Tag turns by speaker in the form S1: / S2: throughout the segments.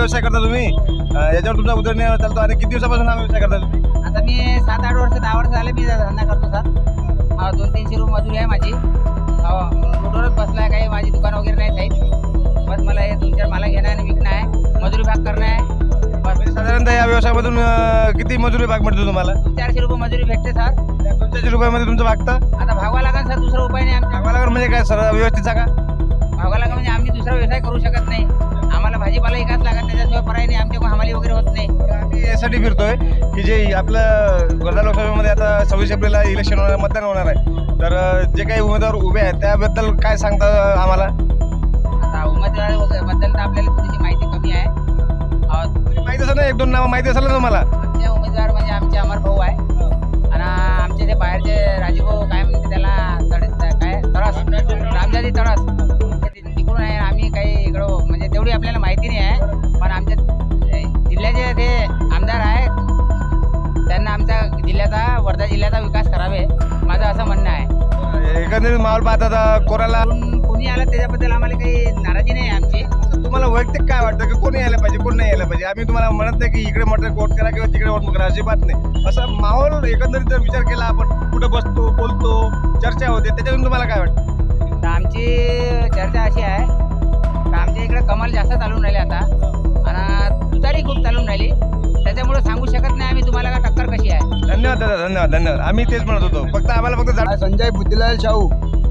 S1: व्यवसाय करता तुम्ही, याच्यावर तुमचा उदरनिर्वाह चालतो आणि किती दिवसापासून हा व्यवसाय करता तुम्ही?
S2: आता मी 7-8 वर्ष 10 वर्ष झाले मी धंदा करतो सर. 200-300 रुपये मजुरी आहे माझी. रोडवरच बसला आहे, काही माझी दुकान वगैरे नाही साहेब. बस मला हे 2-4 माला घेणं आणि विकणं आहे, मजुरी भाग करणं आहे बस.
S1: साधारणतः या व्यवसायामधून किती मजुरी भाग मिळतो तुम्हाला?
S2: 400 रुपये मजुरी भेटते सर.
S1: 200 रुपयामध्ये तुमचं भागतं?
S2: आता भागवा लागेल सर, दुसरा उपाय नाही आमच्या.
S1: भागवा लागेल म्हणजे काय सर, व्यवस्थित सांगा.
S2: भागवा लागेल म्हणजे आम्ही दुसरा व्यवसाय करू शकत नाही. आम्हाला भाजीपाला विकास लागत, त्याच्याशिवाय पर्याय नाही. आमच्याकडून हमाली वगैरे होत नाही.
S1: आम्ही यासाठी फिरतोय की जे आपलं वर्धा लोकसभेमध्ये आता 26 एप्रिलला इलेक्शन होणार, मतदान होणार आहे, तर जे काही उमेदवार उभे आहेत त्याबद्दल काय सांगता आम्हाला?
S2: आता उमेदवाराबद्दल तर आपल्याला थोडीशी माहिती कमी आहे.
S1: माहिती असेल ना, 1-2 नावं माहिती असेल ना तुम्हाला?
S2: आमचे उमेदवार म्हणजे आमचे अमर भाऊ आहे आणि आमचे ते बाहेरचे राजूभाऊ काय म्हणते त्याला काय तळस, रामजादी तळस, तिकडून आहे. आम्ही काही इकडं म्हणजे तेवढी आपल्याला माहिती नाही आहे, पण आमच्या जिल्ह्याचे ते आमदार आहेत, त्यांना आमच्या जिल्ह्याचा, वर्धा जिल्ह्याचा विकास करावे माझं असं म्हणणं आहे.
S1: एकंदरीत माहोल पाहता कोणाला
S2: कोणी आलं त्याच्याबद्दल आम्हाला काही नाराजी नाही आहे आमची.
S1: तुम्हाला वैयक्तिक काय वाटतं की कोणी यायला पाहिजे, कोण नाही यायला पाहिजे? आम्ही तुम्हाला म्हणत नाही की इकडे मटर वोट करा किंवा तिकडे वोट करा, अजिबात नाही. असं माहोल एकंदरीत जर विचार केला आपण, कुठं बसतो, बोलतो, चर्चा होते, त्याच्यातून तुम्हाला काय वाटतं?
S2: तर आमची चर्चा अशी आहे का आमच्या इकडे कमाल जास्त चालून राहिले आता आणि तुतारी खूप चालून राहिली, त्याच्यामुळे सांगू शकत नाही आम्ही तुम्हाला का टक्कर कशी आहे.
S1: धन्यवाद दादा, धन्यवाद धन्यवाद. आम्ही तेच म्हणत होतो, फक्त आम्हाला
S3: संजय बुद्धिलाल शाहू.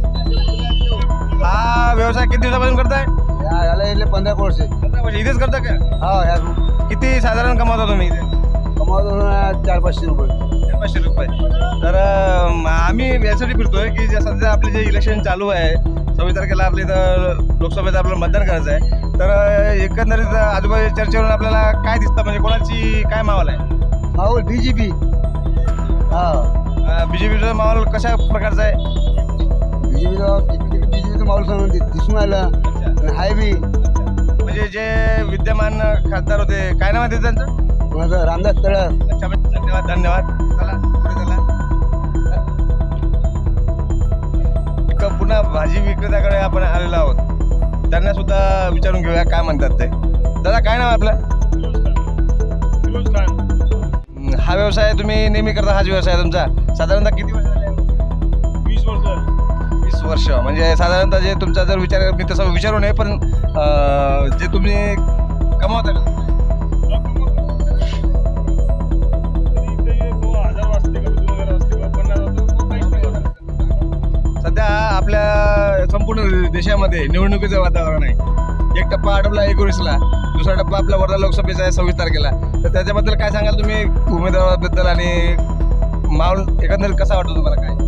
S1: हा व्यवसाय किती दिवसापासून करताय?
S3: याला इथले 15 वर्ष.
S1: 15 वर्ष इथेच करता का?
S3: हा, ह्या
S1: किती साधारण कमावता तुम्ही इथे?
S3: कमावतो 400-500 रुपये.
S1: 500 रुपये. तर आम्ही यासाठी फिरतोय की सध्या आपले जे इलेक्शन चालू आहे, 26 तारखेला आपल्या इथं लोकसभेचं आपल्याला मतदान करायचं आहे, तर एकंदरीत आजूबाजूच्या चर्चेवरून आपल्याला काय दिसतं, म्हणजे कोणाची काय माहोल आहे?
S3: माहोल BJP. हा,
S1: BJPचा माहोल कशा प्रकारचा आहे?
S3: BJPचं माहोल दिसून आलं हाय बी.
S1: म्हणजे जे विद्यमान खासदार होते, काय नाव आहे त्यांचं?
S3: माझं रामदास तळस.
S1: अच्छा, धन्यवाद धन्यवाद. चला पुढे चला. पुन्हा भाजी विक्रेत्याकडे आपण आलेलो आहोत, त्यांना सुद्धा विचारून घेऊया काय म्हणतात ते. दादा काय नाव आहे आपलं? हा व्यवसाय तुम्ही नेहमी करता, हाच व्यवसाय तुमचा? साधारणतः किती वर्ष झाले?
S4: 20 वर्ष.
S1: 20 वर्ष. म्हणजे साधारणतः जे तुमचा जर विचार, मी तसं विचारू नये, पण जे तुम्ही कमावता का? सध्या आपल्या संपूर्ण देशामध्ये निवडणुकीचं वातावरण आहे. एक टप्पा आटपला 19ला, दुसरा टप्पा आपला वर्धा लोकसभेचा आहे 26 तारखेला. तर त्याच्याबद्दल काय सांगाल तुम्ही, उमेदवाराबद्दल आणि माहोल एकंदरीत कसा वाटतो तुम्हाला? काय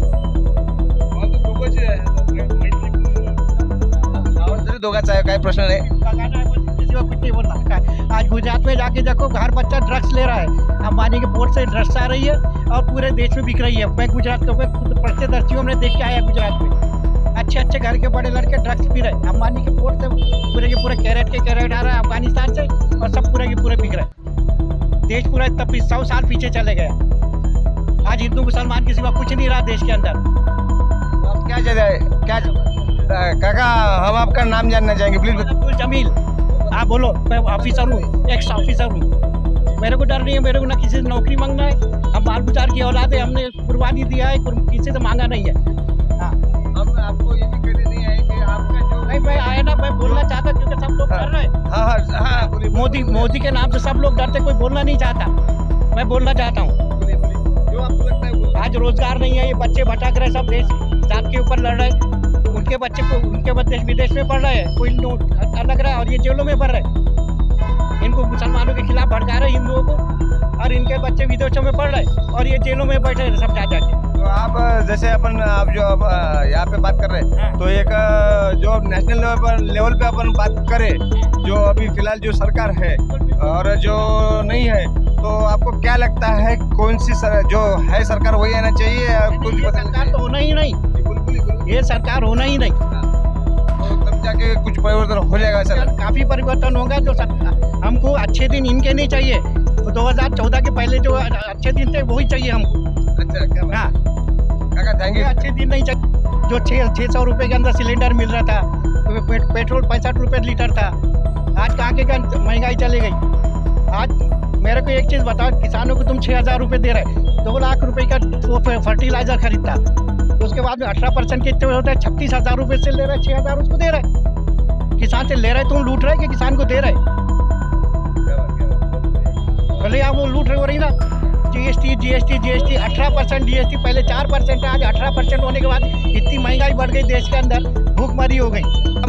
S1: तरी दोघांचा आहे, काय प्रश्न नाही.
S5: कुछ नहीं बोलना। आज गुजरात में जाके देखो, हर बच्चा ड्रग्स ले रहा है। अंबानी के पोर्ट से ड्रग्स आ रही है और पूरे देश में बिक रही है। मैं गुजरात को पढ़ते दर्शियों में देख के आया गुजरात में। अच्छे घर के बड़े लड़के ड्रग्स पी रहे हैं। अंबानी के पोर्ट से पूरे के पूरे कैरेट आ रहा है अफगानिस्तान से, और सब पूरे के पूरे बिक रहे हैं। देश पूरा 100 साल पीछे चले गया। आज हिंदू मुसलमान के सिवा कुछ नहीं रहा देश के अंदर।
S1: क्या काका, हम आपका नाम जानना चाहेंगे प्लीज।
S5: अब्दुल जमील। हाँ बोलो, मैं ऑफिसर हूँ, एक्स ऑफिसर हूँ। मेरे को डर नहीं है, मेरे को ना किसी से नौकरी मांगना है। हम बाल बुचार की औलाद है, हमने कुर्बानी दिया है, किसी से मांगा नहीं है। हाँ,
S1: हम आपको ये भी कहते नहीं है कि आपका जो
S5: नहीं, मैं आया ना, मैं बोलना चाहता क्योंकि सब लोग डर रहे हैं।
S1: हाँ हाँ हाँ, बोलिए
S5: मोदी के नाम से सब लोग डरते, कोई बोलना नहीं चाहता। मैं बोलना चाहता हूँ।
S1: बोलिए जो आपको लगता है बोलिए।
S5: आज रोजगार नहीं है, ये बच्चे भटक रहे, सब देश जात के ऊपर लड़ रहे हैं। उनके बच्चे को उनके देश विदेश में पढ़ रहे हैं, कोई अलग रहा है, और ये जेलों में पढ़ रहे हैं। इनको मुसलमानों के खिलाफ भड़का रहे हिंदुओं को, और इनके बच्चे विदेशों में पढ़ रहे हैं, और ये जेलों में बैठे हैं सब जा जाके।
S1: तो आप जैसे आप जो यहाँ पे बात कर रहे हैं, तो एक जो नेशनल लेवल पे अपन बात करें, जो अभी फिलहाल जो सरकार है और जो नहीं है, तो आपको क्या लगता है कौन सी जो है सरकार वही आना चाहिए? कुछ
S5: सरकार तो होना ही नहीं, ये सरकार होना ही नहीं।
S1: तो तब जाके कुछ परिवर्तन हो जाएगा सर?
S5: काफी परिवर्तन होगा। जो हमको अच्छे दिन इनके नहीं चाहिए, तो 2014 के पहले जो अच्छे दिन थे वही चाहिए हमको।
S1: अच्छा, क्या
S5: हाँ
S1: काका, थैंक यू।
S5: अच्छे दिन नहीं चाहिए। जो 600 रुपये के अंदर सिलेंडर मिल रहा था, पेट्रोल 65 रुपये लीटर था, आज कहाँ के कहाँ महंगाई चली गई। आज मेरे को एक चीज़ बताओ, किसानों को तुम 6,000 रुपये दे रहे, 2 लाख रुपए का वो फर्टिलाइजर खरीदता, उसके बाद में 18% कितने होते हैं, 36,000 रुपये से ले रहे, 6,000 उसको दे रहे। किसान से ले रहे तुम लूट रहे कि किसान को दे रहे? भले आप वो लूट रहे हो रही ना। जीएसटी 18% जीएसटी, पहले 4% है, आज 18% होने के बाद इतनी महंगाई बढ़ गई, देश के अंदर भूखमरी हो गई।